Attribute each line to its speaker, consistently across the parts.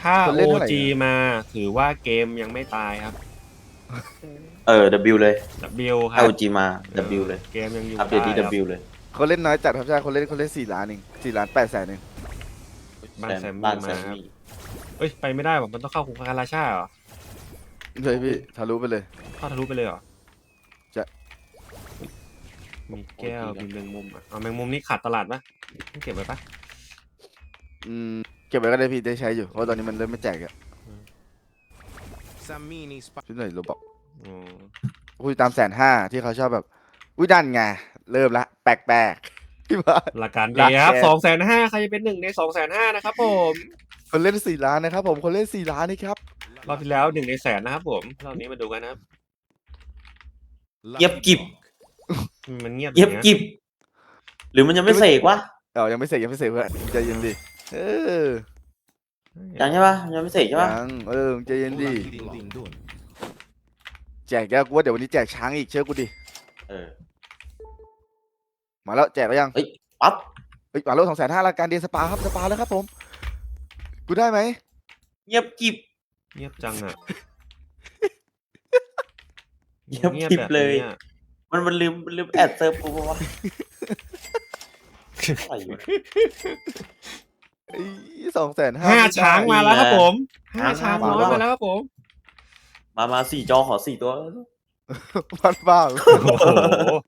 Speaker 1: ถ้า
Speaker 2: คนเล่นเท่าไหร่
Speaker 1: OG มาถือว่าเกมยังไม่ตายครับ
Speaker 3: W เลย
Speaker 1: W ค
Speaker 3: ถ้า
Speaker 1: รับ
Speaker 3: OG มา W เลย
Speaker 1: เกมยังอยู่
Speaker 3: อัปเดตที่
Speaker 1: ได้ครับ
Speaker 3: W เลย
Speaker 2: คนเล่นน้อยจัดครับใช่คนเล่น4 ล้านเอง4,800,000เอง
Speaker 1: บ้านแซม
Speaker 3: บ้า
Speaker 1: มี่
Speaker 3: นแซ
Speaker 1: มาม ครับ
Speaker 3: มี่
Speaker 1: เอ้ยไปไม่ได้หรอมันต้องเข้าคุกคาราชาเหรอ
Speaker 2: เลยพี่ทะลุไปเลย
Speaker 1: เข้าทะลุไปเลยเหรอ
Speaker 2: จะ
Speaker 1: มีแก้วมีแมงมุมอ่ะเอาแมงมุมนี่ขาดตลาดปะต้องเก็บไว้ปะ
Speaker 2: อืมเก็บไว้ก็ได้พี่ได้ใช้อยู่เพราะตอนนี้มันเริ่มไม่แจกอะชุดไหนโรบอก
Speaker 1: อ๋อ
Speaker 2: คุยตาม150,000ที่เขาชอบแบบอุ้ยดันไงเริ่มละแปลกๆพี่บ้าน
Speaker 1: หลักการ
Speaker 2: หลั
Speaker 1: เดี
Speaker 2: ก
Speaker 1: ครับ
Speaker 2: แก
Speaker 1: 250,000ใครจะเป็น1 ใน 250,000นะครับผม
Speaker 2: คนเล่น4 ล้านนะครับผมคนเล่น4 ล้านนี่ครับ
Speaker 1: รอบที่แล้ว1 ในแสนนะครับผมรอบนี้มาดูกันนะครับ
Speaker 3: เย็บกิบ
Speaker 1: มันเงียบ
Speaker 3: เย็บ
Speaker 1: อย่าง
Speaker 3: กิ
Speaker 1: เงี้ย
Speaker 3: บ หรือมันยังไม่เสกวะ
Speaker 2: ยังไม่เสร็จเพื่อนใจเย็นดิอ
Speaker 3: ยังใช่ปะยังไม่เสกใช่ปะ
Speaker 2: ยังใจเย็นดิแจกแกกูว่าเดี๋ยววันนี้แจกช้างอีกเชื่อกูดิ
Speaker 3: เออ
Speaker 2: มาแล้วแจกแล้วยัง
Speaker 3: เฮ้ยปั๊บ
Speaker 2: เฮ้ยมาแล้ว250,000รายการเดนสปาครับสปาแล้วครับผมกูได้ไหม
Speaker 3: เย็บกิบ
Speaker 1: เงียบจังอ่ะ
Speaker 3: เงียบ
Speaker 1: เงียบ
Speaker 3: กริบ
Speaker 1: แบบ
Speaker 3: เลย
Speaker 1: นี้อะ
Speaker 3: มันลืมแอดเซิร์ฟกูปะวะอะไรวะ
Speaker 2: 250,000
Speaker 1: 5 ช้างมาแล้วครับผม
Speaker 3: ช้าง
Speaker 1: 5 ช้าง
Speaker 3: มา
Speaker 1: น้อย
Speaker 3: แล้ว
Speaker 1: มาแล้วครับผม
Speaker 3: มา4 จอขอ4 ตัว
Speaker 2: พันบ้า
Speaker 1: โอ้โห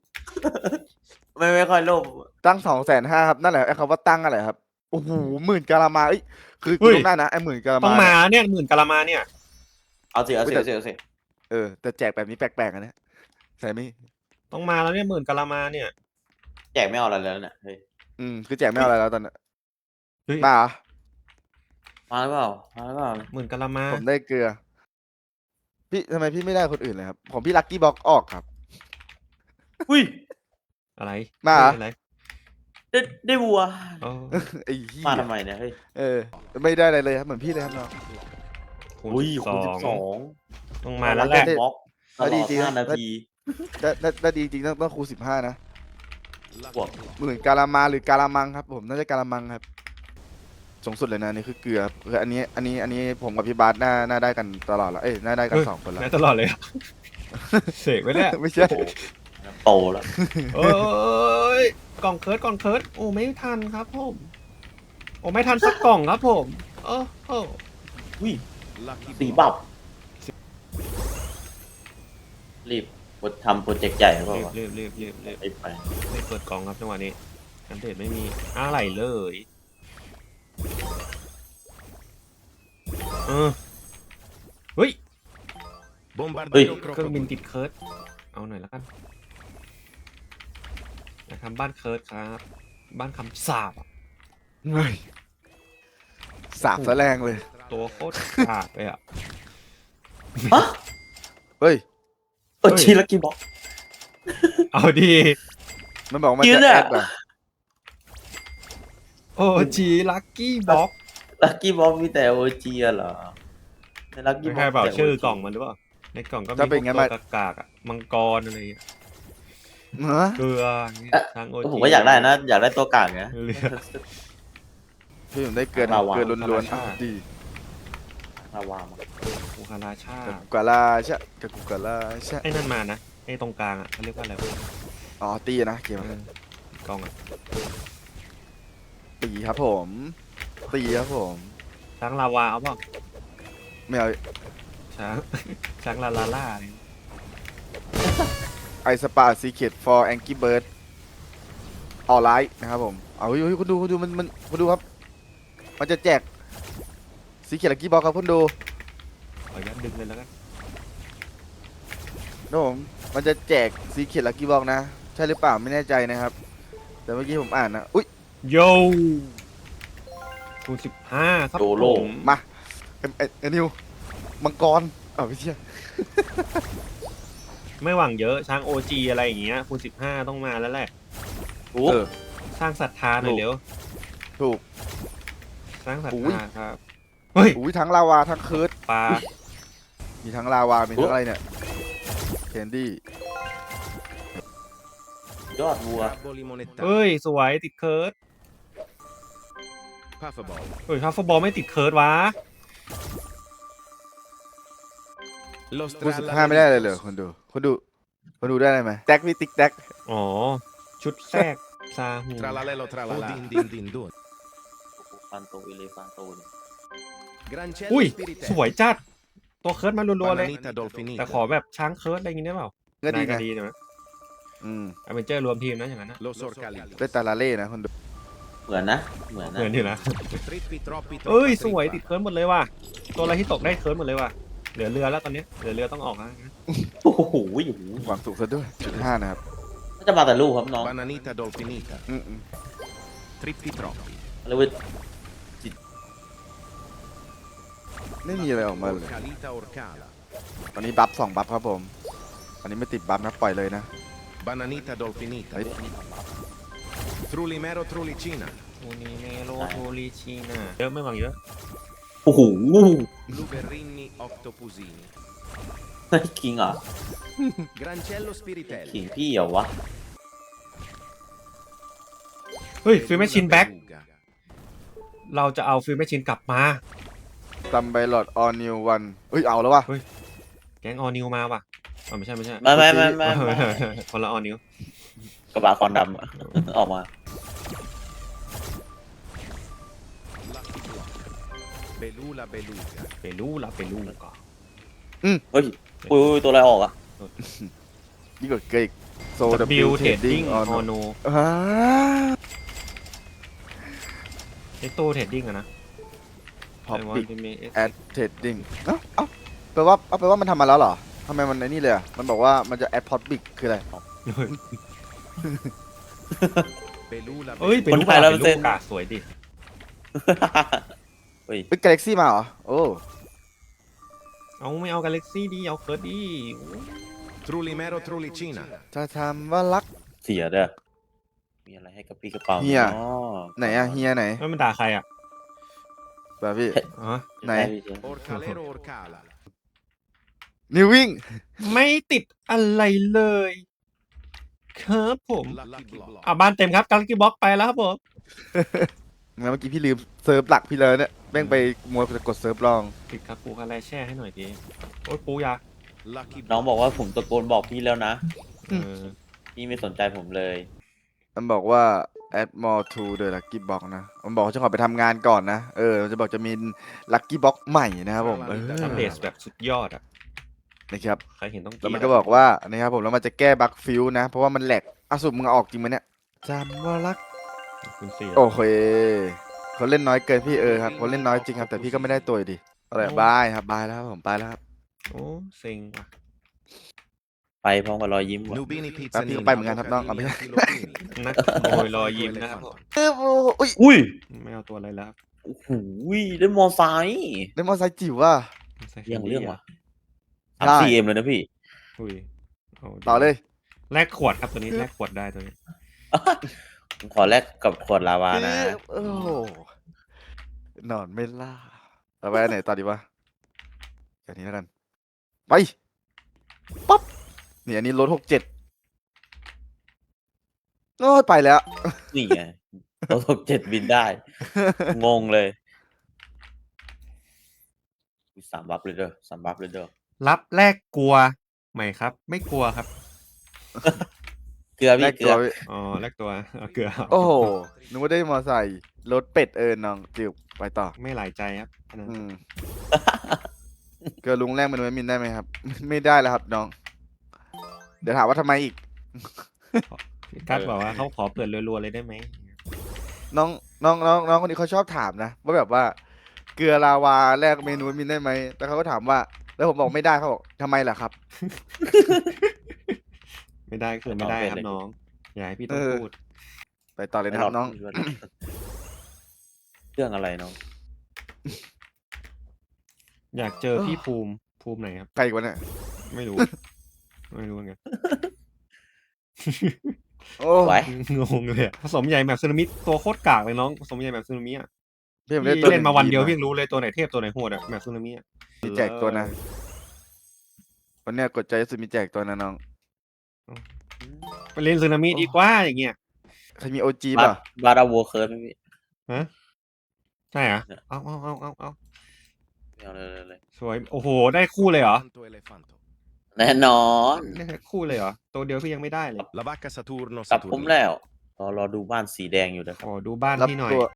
Speaker 3: ไม่ค่อยโลภ
Speaker 2: ตั้ง250,000ครับนั่นแหละไอ้คำว่าตั้งอะไรครับโอ้โห10,000กะละมาเอ้ยคือกูต้องได้นะไอ้10,000กะละมา
Speaker 1: ต้องมาเนี่ย10,000กะละมาเนี่ย
Speaker 3: เอาสิ
Speaker 2: แต่แจกแบบนี้แปลกๆอันเนี้ยใช่ไหม
Speaker 1: ต้องมาแล้วเนี่ย10,000กะละมาเนี่ย
Speaker 3: แจกไม่เอาอะไรแล้วเนี่ยเฮ้ย
Speaker 2: คือแจกไม่เอาอะไรแล้วตอนนี้
Speaker 1: เฮ้ย
Speaker 2: มาเหรอ
Speaker 3: มาหรือเปล่ามาหรือเปล่า
Speaker 1: 10,000กะละมา
Speaker 2: ผมได้เกลือพี่ทำไมพี่ไม่ได้คนอื่นเลยครับของพี่ลัคกี้บ็อกออกครับ
Speaker 3: อุ้ย
Speaker 1: อะไร
Speaker 2: มาเหรอ
Speaker 1: อะไร
Speaker 3: ได้วัว
Speaker 1: อ๋อ
Speaker 2: ไอ้เหี้ย
Speaker 3: มาทำไมเนี่ยเฮ้ย
Speaker 2: ไม่ได้อะไรเลยครับเหมือนพี่เลยครับน้อง
Speaker 1: คูณ
Speaker 3: อุ้ย
Speaker 1: 12
Speaker 3: คูณ12
Speaker 1: ต้องมาแล้วแหละ
Speaker 3: บล็อกตล
Speaker 2: ดี
Speaker 3: อด
Speaker 2: จริงนะ
Speaker 3: 5 นาที
Speaker 2: ได้ดีจริงต้องคูณ15นะ
Speaker 3: บวก
Speaker 2: 10,000กะละมาหรือกะละมังครับผมน่าจะกะละมังครับสูงสุดเลยนะนี่คือเกลือคืออันนี้ผมกับพี่บาสน่าได้กันตลอดละน่าได้กัน2 คนละ
Speaker 1: ได้ตลอดเลยอะเสกไว้เนี่ย
Speaker 2: ไม่ใช่
Speaker 3: โตแล้ว
Speaker 1: โอ้ยกล่องเคิร์ดโอ้ไม่ทันครับผมโอ้ไม่ทันสักกล่องครับผมโอ้โห
Speaker 3: อุ้ยสีบับรีบทำโปรเจกต์ใหญ่หรือเปล่าวะ
Speaker 1: รีบ
Speaker 3: ไป
Speaker 1: เปิดกล่องครับจังหวะนี้อัปเดตไม่มีอะไรเลยเฮ้ย
Speaker 3: เฮ้ย
Speaker 1: เครื่องบินติดเคิร์ดเอาหน่อยแล้วกันอยากทำบ้านเคิร์ดครับ บ้านคำสาบอะ
Speaker 2: เฮ้ยสาบซะแรงเลย
Speaker 1: ตัวโคตรขาดเลยอ่ะ
Speaker 3: ฮะ
Speaker 2: เฮ้ย
Speaker 3: ชีลักกี้บ็อก
Speaker 1: เอาดี
Speaker 2: มันบอกมัน
Speaker 3: กิน
Speaker 2: จะ
Speaker 3: อะ
Speaker 2: แอดว่ะ
Speaker 1: โอ้จีลักกี้บ็อก
Speaker 3: ลักกี้บ็อกมีแต่โอจีเหรอในลักกี้
Speaker 1: ไม่
Speaker 3: บ็อก
Speaker 1: ใช่เปล่าชื่อกล่องมันหรือเปล่าในกล่องก็มีพวกตัวกากๆอะมังกรอะไรอย่างเงี้ย
Speaker 2: เหรอ
Speaker 1: เกลืออย่างเงี้ยทางโอจี
Speaker 3: ผมก็อยากได้นะ อยากได้ตัวกลางไง
Speaker 1: เรือ
Speaker 2: พี่ผมได้เกลือ
Speaker 3: ลาวา
Speaker 2: เกลือล้วนๆ
Speaker 1: ลาวา
Speaker 2: ดี
Speaker 3: ลาวามา
Speaker 1: กูคาราชา
Speaker 2: กับกุกาลาใช่กับกุกาลาใช่
Speaker 1: ไอ้นั่นมานะไอ้ตรงกลางอ่ะเขาเรียกว่าอะไรวะ
Speaker 2: อ๋อตีนะเกม
Speaker 1: กล่องอ่ะ
Speaker 2: ตีครับผมตีครับผม
Speaker 1: ช้างลาวาเอาเปล่า
Speaker 2: ไม่เอา
Speaker 1: ช้าง ช้างลาลาล่าอะไร
Speaker 2: ไอสปาซีเคท for Angry Bird ออนไลน์นะครับผมเอาเฮ้ยคุณดูมันคุณดูครับ มันจะแจกซีเคทลักกี้บ็อกครับคุณดู
Speaker 1: ขออนุญาตดึงเลยแล้วกัน
Speaker 2: นะผมมันจะแจกซีเคทลักกี้บ็อกนะ ใช่หรือเปล่าไม่แน่ใจนะครับ แต่เมื่อกี้ผมอ่านนะอุ้ย
Speaker 1: โยคูณ15ครับ
Speaker 3: โดโล
Speaker 1: ผม
Speaker 2: มาเอ็นิวมังกรไม่ใช่
Speaker 1: ไม่หวังเยอะช้างโอจีอะไรอย่างเงี้ยคูณ15ต้องมาแล้วแหละ
Speaker 3: โอ้
Speaker 1: สร้างศรัทธาหน่อยเร็ว
Speaker 2: ถูก
Speaker 1: สร้างศรัท
Speaker 2: อุ้ย
Speaker 1: ธาครับเฮ้ย
Speaker 2: อุ้ยทั้งลาวาทั้งเคิร์ด
Speaker 1: ปลา
Speaker 2: มีทั้งลาวา มีทั้งอะไรเนี่ยแคนดี้
Speaker 3: ยอดวัว
Speaker 1: เฮ้ยสวยติดเคิร์ดเฮ้ยทัฟเฟอร์บอลไม่ติดเคิร์ดวะ
Speaker 4: Lo
Speaker 2: พูด15ไม่ได้เลยเหรอคนดูคนดูได้อะไรไหมแจ็คพี่ติ๊กแจ็ค
Speaker 1: อ๋อ ชุดแทรกซาฮู
Speaker 4: Tralalelo tralala. Din din din dun.
Speaker 3: ฟันโตอิเลฟันโตเนี่ย
Speaker 4: Grancello
Speaker 1: อุ้ย
Speaker 4: spiritello.
Speaker 1: สวยจัด ตัวเคิร์ดมารัวๆเลย
Speaker 4: Bananita dolfinita.
Speaker 1: แต่ขอแบบช้างเคิร์ดอะไรอย่างงี้ได้เปล่า
Speaker 2: ก็ดี
Speaker 1: ก็
Speaker 2: นะ
Speaker 1: ดีนะ
Speaker 2: อืม
Speaker 1: อเวนเจอร์รวมทีมนะอย่างนั้นนะ
Speaker 4: Lo sorcalito.
Speaker 2: ได้ตาลาเล่นะคนดู
Speaker 3: เหมือนนะ เหมือน
Speaker 1: เห
Speaker 3: นะ
Speaker 1: มือนอยู่นะ
Speaker 4: Trippi troppi
Speaker 1: เอ้ย
Speaker 4: troppa
Speaker 1: สวย
Speaker 4: trippa.
Speaker 1: ติดเคิร์ดหมดเลยว่ะ ตัวอะไรที่ตกได้เคิร์ดหมดเลยว่ะ เหลือเรือแล้วตอนนี้เหลือเรือต้องออกแล้วนะ
Speaker 3: โอ้โห
Speaker 2: หวังสูงซะด้วย15นะครับ
Speaker 3: น่าจะมาแต่ลูกครับน้อง
Speaker 4: Bananita dolfinita.
Speaker 2: อืม
Speaker 4: Trippi troppi.
Speaker 3: เรียกว่า
Speaker 2: ไม่มีอะไรออกมาเลย
Speaker 4: Orcalita orcala.
Speaker 2: ตอนนี้บัฟ2บัฟครับผมอันนี้ไม่ติดบัฟนะปล่อยเลยนะ
Speaker 4: Bananita dolfinita.
Speaker 2: เฮ้ย
Speaker 4: Trulimero trulicina.
Speaker 1: โอนิเมโรโทริชิน่าเยอะไม่หวังเยอะ
Speaker 3: โอ้โห
Speaker 4: Blueberrini octopusini.
Speaker 3: เฮ้ยคิงเหรอ
Speaker 4: Grancello spiritello.
Speaker 3: ขิงพี่เหรอวะ
Speaker 1: เฮ้ย ฟิลแมชชิน
Speaker 4: Beluga
Speaker 1: แบ็ค
Speaker 4: beluga.
Speaker 1: เราจะเอาฟิลแมชชินกลับมา
Speaker 2: ซัมไบลอดออนิววันเอ้ยเอาแล้ววะ
Speaker 1: แก๊งออนิวมาว่ะอ๋อไม่ใช่
Speaker 3: ไม่
Speaker 1: คนละออนิว
Speaker 3: กระบะคอนดำอะ ออกมา
Speaker 4: Lucky block. Belula beluga.
Speaker 1: ไปรู้ละไปรู้ก่อน
Speaker 3: เฮ้ยอุ้ยตัวอะไรออกอ่ะ
Speaker 2: ยิ่งกว่าเกย์โซ
Speaker 1: บิ
Speaker 2: บิ
Speaker 1: ว
Speaker 2: ว
Speaker 1: เท
Speaker 2: เท
Speaker 1: ด
Speaker 2: ด
Speaker 1: ดิ้
Speaker 2: ดิ้
Speaker 1: ง
Speaker 2: ง
Speaker 1: อ
Speaker 2: อ
Speaker 1: อ
Speaker 2: อน
Speaker 1: โน
Speaker 2: อ่า
Speaker 1: ไอตู้เทดดิ้งอะนะ
Speaker 2: พอ
Speaker 1: ไอวอ
Speaker 2: ปิ
Speaker 1: นจะมี
Speaker 2: แอดเทดดิ้งเอ้าแปลว่ามันทำมาแล้วเหรอทำไมมันไอ้นี่เลยอ่ะมันบอกว่ามันจะแอดพอดบิกคืออะไร
Speaker 4: Belula
Speaker 1: เอ้ย
Speaker 4: beluga.
Speaker 1: เป็นลูกกาเป็นลูกกาสวยดิ
Speaker 3: เฮ้ย
Speaker 2: เอ้ยกาแล็กซี่มาเหรอโอ้
Speaker 1: เอาไม่เอากาแล็กซี่ดีเอาเคิร์ดดี
Speaker 4: Trulimero trulicina.
Speaker 2: จะทำว่ารัก
Speaker 3: เสียเด้อมีอะไรให้กระปี้กระเป๋า
Speaker 2: เฮีย
Speaker 3: อ๋อ
Speaker 2: ไหนอะเฮียไหน
Speaker 1: ไม่มันด่าใครอ่ะ
Speaker 2: แบบพี่
Speaker 1: อ๋อ
Speaker 2: ไหน
Speaker 4: Orcalero orcala.
Speaker 2: นิววิ่ง
Speaker 1: ไม่ติดอะไรเลย ครับผม
Speaker 4: Lucky block.
Speaker 1: บ้านเต็มครับกาแล็กซี่บ็อกไปแล้วครับผม
Speaker 2: งั้นเมื่อกี้พี่ลืมเซิร์ฟหลักพี่เลยเนี่ยแม่งไปมัวกดเซิร์ฟรอง
Speaker 1: ติดครับปูคาแรแช่ให้หน่อยดีโอ้ยปูยา
Speaker 4: Lucky
Speaker 3: น้อง
Speaker 4: block.
Speaker 3: บอกว่าผมตะโกนบอกพี่แล้วนะ
Speaker 1: เออ
Speaker 3: พี่ไม่สนใจผมเลย
Speaker 2: มันบอกว่า add more to the lucky box นะมันบอกว่าจะขอไปทำงานก่อนนะมันจะบอกจะมี lucky box ใหม่นะครับผม
Speaker 1: อัปเดตแบบสุดยอดอ่ะ
Speaker 2: นะครับ
Speaker 1: ใครเห็นต้อง
Speaker 2: แล้วมันก็บอกว่านะครับผมแล้วมันจะแก้บั๊กฟิวนะเพราะว่ามันแหลกสุดมึงเอาออกจริงไหมเนี่ยจำว่ารัก
Speaker 1: คุณเสีย
Speaker 2: โอเคเขาเล่นน้อยเกินพี่ครับเขาเล่นน้อยจริงครับแต่พี่ก็ไม่ได้ตัวอยู่ดีอะไรบายครับบายแล้วครับผมไปแล้วครับ
Speaker 1: โอ้เซ็งว่ะ
Speaker 3: ไปพร้อมกับรอยยิ้มว่ะ
Speaker 4: Nubini
Speaker 2: แป๊บพี่
Speaker 4: pizzanini.
Speaker 2: ก็ไปเหมือนกันครับน้องเอาไม่ได้
Speaker 4: Filopini.
Speaker 1: นักขโมยรอยยิ้มนะครับผม
Speaker 2: อุ้ย
Speaker 3: อุ้ย
Speaker 1: ไม่เอาตัวอะไรแล้วครับ
Speaker 3: โอ้โหได้มอไซค์
Speaker 2: ได้มอไซค์จิ๋วว่ะ
Speaker 1: ใส่
Speaker 3: เรื่องเรื่องว่ะ
Speaker 2: ได้
Speaker 3: 3-4M เลยนะพี่
Speaker 1: อุ้ยาดิ
Speaker 2: ต่อเลย
Speaker 1: แลกขวดครับตัวนี้แลกขวดได้ตัวนี้
Speaker 3: ผมขอแลกกับขวดลาวานะ
Speaker 2: โอ้โหนอนไม่ล่าเราไปอันไหนต่อดีวะอย่างนี้แล้วกันไปปั๊บนี่อันนี้รถ67โอ้ยไปแล้ว
Speaker 3: นี่ไงเราตก7บินได้ งงเลย3 บัฟเลยเด้อ3 บัฟเลยเด้อ
Speaker 1: รับแลกกลัวไหมครับ ไม่กลัวครับ
Speaker 3: เกลือ
Speaker 2: แร
Speaker 3: พี่
Speaker 2: ก
Speaker 3: เกลื
Speaker 2: ตัว
Speaker 3: อ
Speaker 1: อ๋อแลกตัวเอาเกลือ
Speaker 2: โอ้โหนึกว่าได้มอไซค์รถเป็ดน้องจิ๋วไปต่อ
Speaker 1: ไม่หลายใจครับอันนั้น
Speaker 2: อืม เกลือลุงแรกมันไว้มินได้ไหมครับ ไม่ได้แล้วครับน้อง เดี๋ยวถามว่าทำไมอีก
Speaker 1: กัดบอกว่าเขาขอเปิดรัวๆเลยได้ไหม
Speaker 2: น้องคนนี้เขาชอบถามนะว่าแบบว่า เกลือลาวาแลกเมนูมินได้ไหมแล้วเขาก็ถามว่า แล้วผมบอกไม่ได้เขาบอกทำไมล่ะครับ
Speaker 1: ไม่ได้คือไม่ได้ครับน้องอย่าให้พี่ต้องพูด
Speaker 2: ไปต่อเลยนะครับน้อง
Speaker 3: เรื่องอะไรน้อง
Speaker 1: อยากเจอพี่ภูมิไหนครับ
Speaker 2: ใครอีกวะเนี่ย
Speaker 1: ไม่รู้ ไม่รู้เหมือนกัน
Speaker 2: โอ้
Speaker 3: ไหว
Speaker 1: งงเลยอะผสมใหญ่แบบซึนามิตัวโคตรกากเลยน้องผสมใหญ่แบบซึนามิอ่ะ
Speaker 2: พี่ผม
Speaker 1: พี่
Speaker 2: ได้ตัว
Speaker 1: เล่นมาวันเดียว
Speaker 2: หง
Speaker 1: พี่ยังรู้เลยตัวไหนเทพตัวไหนโหดอะแบบซึนามิอ่ะ
Speaker 2: มีแจกตัวนะ วันเนี้ยกดใจสุดมีแจกตัวนะน้อง
Speaker 1: ไปเล่นซึนามิดีกว่าอย่างเงี้ย
Speaker 2: ใครมีโอจี
Speaker 3: บา
Speaker 2: ป่ะ
Speaker 3: บาราวัวเคิร์ดไหมพี่
Speaker 1: ฮะใช่เหรอ
Speaker 3: เนี่ย
Speaker 1: เอา
Speaker 3: ไม่เอาเลย
Speaker 1: สวยโอ้โหได้คู่เลยเหรอ
Speaker 4: Tanto Elefanto.
Speaker 3: แน่นอน
Speaker 1: ได้แค่คู่เลยเหรอ ตัวเดียวพี่ยังไม่ได้เลย
Speaker 4: La vacca Saturno
Speaker 3: กลับผม
Speaker 4: Saturnino.
Speaker 3: แล้วรอดูบ้านสีแดงอยู่นะครับ
Speaker 1: ขอดูบ้าน
Speaker 2: รับ
Speaker 1: พี่หน่อย
Speaker 2: ตัว